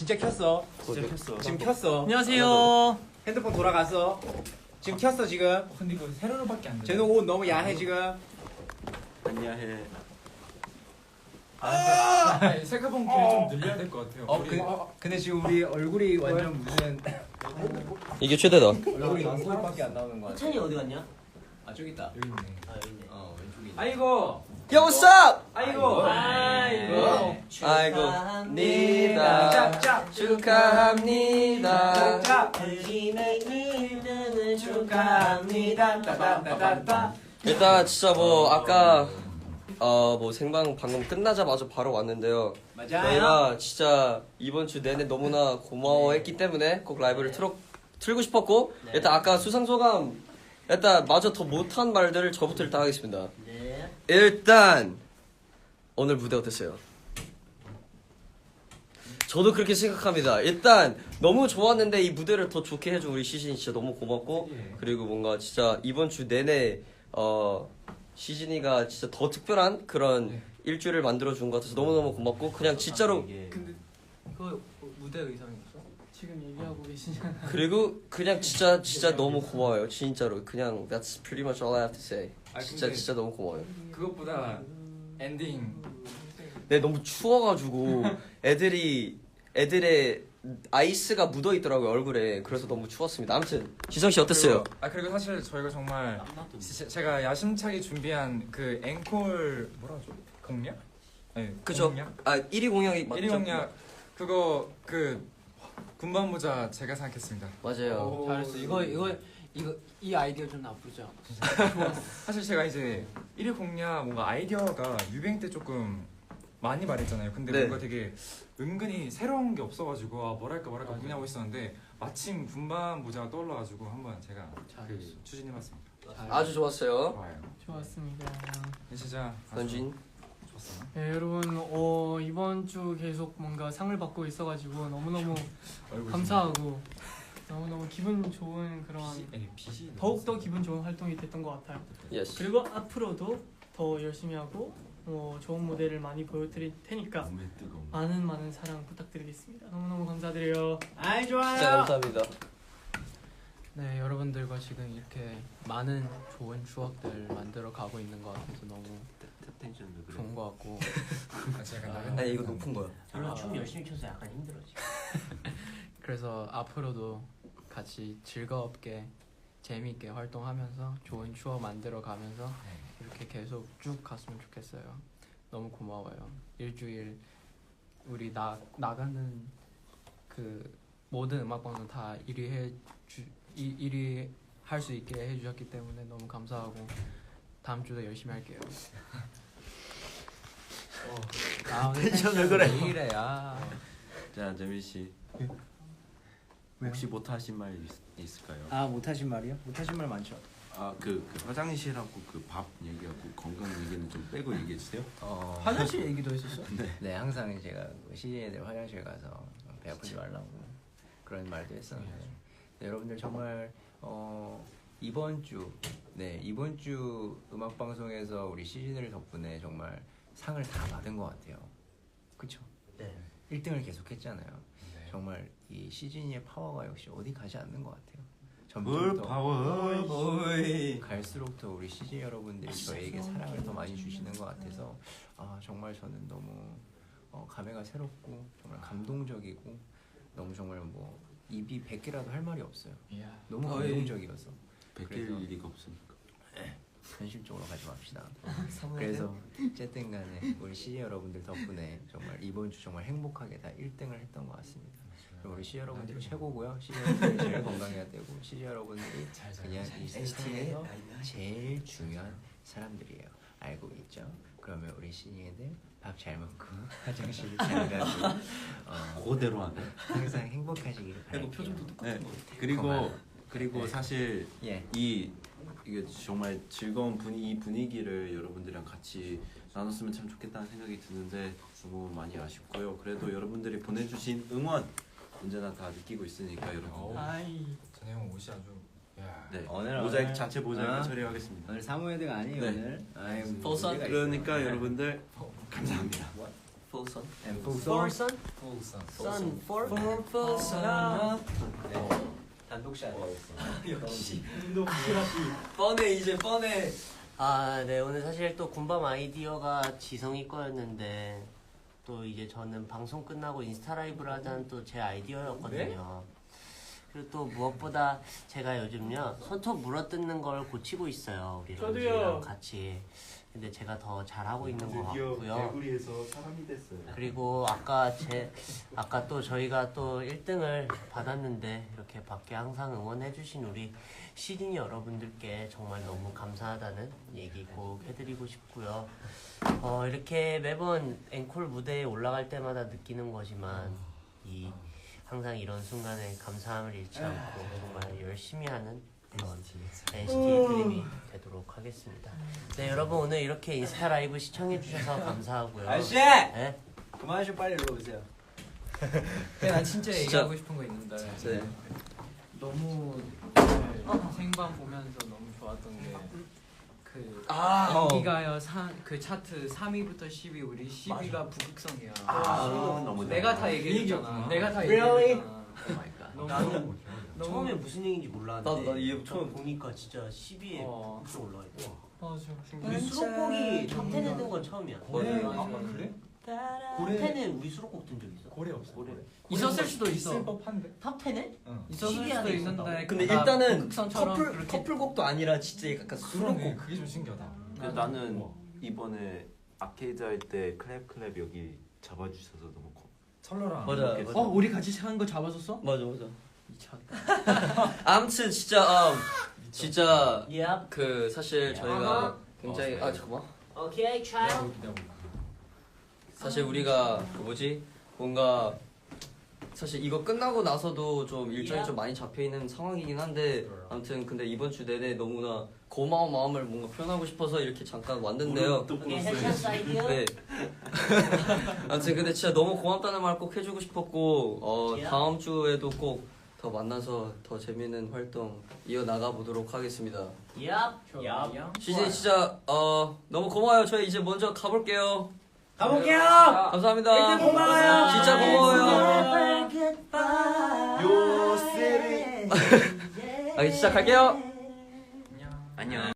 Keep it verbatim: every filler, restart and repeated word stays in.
진짜 켰어. 진짜 켰어. 지금 켰어. 안녕하세요. 핸드폰 돌아갔어. 지금 켰어 지금. 근데 이거 세로로밖에 안 돼. 쟤는 옷 너무 야해 지금. 안녕해. 아, 색깔봉 길이 좀 늘려야 될 것 같아요. 어, 우리- 그, 어, 근데 지금 우리 얼굴이 완전 무슨 이게 최대다. 얼굴이 눈코입밖에 안 나오는 거 같아. 찬이 어디 갔냐? 아 저기 있다. 여기 있네. 아 여기 있네. 어 왼쪽에 있네. 아이고. Yo, what's up? 아이고. 아이고. 아이고입니다. 짭짭. 축하합니다. 짭짭. 그림의 일등을 축하합니다. 따다다다다. 일단 진짜 뭐 아까 어 뭐 생방 방금 끝나자마자 바로 왔는데요. 맞아요. 저희가 진짜 이번 주 내내 너무나 고마워했기 때문에 꼭 라이브를 틀어 틀고 싶었고 네. 일단 아까 수상 소감 일단 마저 더 못한 말들을 저부터 일단 하겠습니다. 네. 일단 오늘 무대 어땠어요? 저도 그렇게 생각합니다. 일단 너무 좋았는데 이 무대를 더 좋게 해준 우리 시즌이 진짜 너무 고맙고 그리고 뭔가 진짜 이번 주 내내 어 시즌이가 진짜 더 특별한 그런 네. 일주일을 만들어준 것 같아서 너무너무 고맙고 그냥 진짜로 근데 이거 무대 의상이었어? 지금 얘기하고 계시잖아. 그리고 그냥 진짜 진짜 너무 고마워요. 진짜로 그냥 that's pretty much all I have to say. 아, 진짜 근데- 진짜 너무 고마워요. 그것보다 엔딩. 네 너무 추워가지고 애들이 애들의 아이스가 묻어 있더라고요 얼굴에. 그래서 너무 추웠습니다. 아무튼 지성 씨 어땠어요? 그리고, 아 그리고 사실 저희가 정말 지- 제가 야심차게 준비한 그 앵콜 뭐라 하죠? 공략? 네. 그죠? 공략? 아 일 위 공약이 맞죠? 일 위 공략 그거 그 군밤 모자 제가 생각했습니다. 맞아요. 잘했어. 이거 이거 이거 이 아이디어 좀 나쁘지 않았어. 사실 제가 이제 일 위 공략 뭔가 아이디어가 유행 때 조금 많이 말했잖아요. 근데 네. 뭔가 되게 은근히 새로운 게 없어가지고 아 뭐랄까 뭐랄까 고민하고 있었는데 마침 군밤 모자가 떠올라가지고 한번 제가 그 잘했어. 추진해봤습니다. 아주 좋았어요. 좋아요. 좋았습니다. 진짜 아주 선진. 좋았어요. 네, 여러분 어, 이번 주 계속 뭔가 상을 받고 있어가지고 너무너무 얼굴 감사하고 너무너무 기분 좋은 그런 빛이, 아니, 빛이 더욱더 기분 좋은 활동이 됐던 것 같아요. 예스. 그리고 앞으로도 더 열심히 하고 어, 좋은 무대를 많이 보여드릴 테니까 많은 많은 사랑 부탁드리겠습니다. 너무너무 감사드려요. 아이 진짜 좋아요. 감사합니다. 네, 여러분들과 지금 이렇게 많은 좋은 추억들 만들어 가고 있는 것 같아서 너무 좋은 것 같고. 아, 제가 나름 아니 이거 높은 거야. 별로 춤 열심히 춰서 약간 힘들어 지금. 그래서 앞으로도 같이 즐겁게 재미있게 활동하면서 좋은 추억 만들어 가면서 이렇게 계속 쭉 갔으면 좋겠어요. 너무 고마워요. 일주일 우리 나 나가는 그 모든 음악 방송 다 일 위 해주 일 위 할 수 있게 해주셨기 때문에 너무 감사하고 다음 주도 열심히 할게요. 아, 텐션을 그래. 왜 이래? 아. 자 재민 씨. 혹시 못하신 말 있, 있을까요? 아 못하신 말이요? 못하신 말 많죠. 아그 그 화장실하고 그 밥 얘기하고 건강 얘기는 좀 빼고 얘기해 주세요. 어, 화장실 얘기도 했었어? 네, 항상 제가 시즌애들 화장실 가서 배 아프지 말라고 그런 말도 했었는데 네, 여러분들 정말 어, 이번 주, 네 이번 주 음악 방송에서 우리 시즌을 덕분에 정말 상을 다 받은 것 같아요. 그쵸? 네. 일 등을 계속했잖아요. 정말 이 시즌의 파워가 역시 어디 가지 않는 것 같아요. 점점 더 파워. 갈수록 더 우리 시즌 여러분들이 저에게 사랑을 더 많이 주시는 것 같아서 아 정말 저는 너무 어, 감회가 새롭고 정말 감동적이고 너무 정말 뭐 입이 백 개라도 할 말이 없어요. 너무 어이. 감동적이어서 베낄 그래서- 리가 없으니까. 현실적으로 가지 맙시다. 그래서 어쨌든 간에 우리 시즌 여러분들 덕분에 정말 이번 주 정말 행복하게 다 일 등을 했던 것 같습니다. 그리고 우리 시즌 여러분들이 최고고요. 시즌 여러분들이 제일 건강해야 되고 시즌 여러분들이 그냥 이 세상에서 제일 중요한 사람들이에요. 알고 있죠? 그러면 우리 시즌애들 밥 잘 먹고 화장실 잘 가고 어, 그대로 하네. 항상 행복하시기를 바랄게요. 네. 그리고 고마워. 그리고 네. 사실 예. 이 이게 정말 즐거운 분위 이 분위기를 여러분들이랑 같이 나눴으면 참 좋겠다는 생각이 드는데 너무 많이 아쉽고요. 그래도 여러분들이 보내주신 응원 언제나 다 느끼고 있으니까 여러분. 아이 전혜형 옷이 아주 야. 네. 오늘, 모자이크 오늘. 자체 모자이크 어? 처리하겠습니다. 오늘 사무회드가 아니에요 네. 오늘. 아이, 포사- 무리가 있어요. 그러니까 여러분들 감사합니다. Full sun. And full For sun. sun? Sun for? Full sun. 네. 단독샷. 역시 뻔해 이제 뻔해. 아, 네. 오늘 사실 또 군밤 아이디어가 지성이 거였는데 또 이제 저는 방송 끝나고 인스타 라이브를 하자는 또 제 아이디어였거든요. 그리고 또 무엇보다 제가 요즘요 손톱 물어뜯는 걸 고치고 있어요. 우리 저도요. 런쥔이랑 같이. 근데 제가 더 잘하고 있는 것 같고요. 개구리에서 사람이 됐어요. 그리고 아까 제 아까 또 저희가 또 일 등을 받았는데 이렇게 밖에 항상 응원해주신 우리 시드니 여러분들께 정말 너무 감사하다는 얘기 꼭 해드리고 싶고요. 어, 이렇게 매번 앵콜 무대에 올라갈 때마다 느끼는 거지만 이 항상 이런 순간에 감사함을 잃지 않고 정말 열심히 하는 그런 엔시티 드림이 되도록 하겠습니다. 네, 여러분 오늘 이렇게 인스타 라이브 시청해 주셔서 감사하고요. 아저씨! 네? 그만 좀 빨리 일로 오세요. 난 진짜 진짜- 얘기하고 싶은 거 있는데 네. 너무 오늘 생방 보면서 너무 좋았던 게그 아. 인기가요 그 차트 삼 위부터 십 위 우리 십 위가 북극성이야. 아, 너무 내가 잘해. 다 얘기했잖아. 내가 다 Really? 얘기했잖아. 너무 나는 너무 처음에 무슨 얘기인지 몰랐는데 나도 이해 처음 보니까 진짜 십 위에 어. 북극성 올라와 있어. 맞아. 우리 수록곡이 탑텐에 든 건 처음이야. 고래? 맞아. 그래? 탑텐에 우리 수록곡 든 적 있어? 고래 없어. 고래. 있었을 수도 있어. 있을 법한데. 탑텐에? 있었을 십 위 수도 안에 있는데 있었다고? 근데 나 일단은 북극성처럼 커플 그렇게 커플곡도 아니라 진짜 약간 그러네. 수록곡. 그게 좀 신기하다. 근데 나는 이번에 아케이드 할 때 클랩 클랩 여기 잡아주셔서 너무 고. 철러랑. 맞아. 이렇게 어, 우리 같이 한 거 잡아줬어? 맞아 맞아. 미쳤다. 아무튼 진짜 음, 진짜 Yep. 그 사실 저희가 굉장히 아 잠깐만. Okay, child. 사실 우리가 그 뭐지 뭔가 사실 이거 끝나고 나서도 좀 일정이 좀 많이 잡혀 있는 상황이긴 한데 아무튼 근데 이번 주 내내 너무나 고마운 마음을 뭔가 표현하고 싶어서 이렇게 잠깐 왔는데요. Okay, 해찬스 아이디어. 네. 아무튼 근데 진짜 너무 고맙다는 말 꼭 해주고 싶었고 어 다음 주에도 꼭 더 만나서 더 재밌는 활동 이어 나가 보도록 하겠습니다. Yep. 좋아요. 시즌 진짜 어 너무 고마워요. 저희 이제 먼저 가볼게요. 가볼게요! 감사합니다. 고마워요. 진짜 고마워요. Never goodbye. 요세리. 아, 시작할게요. 안녕. 안녕.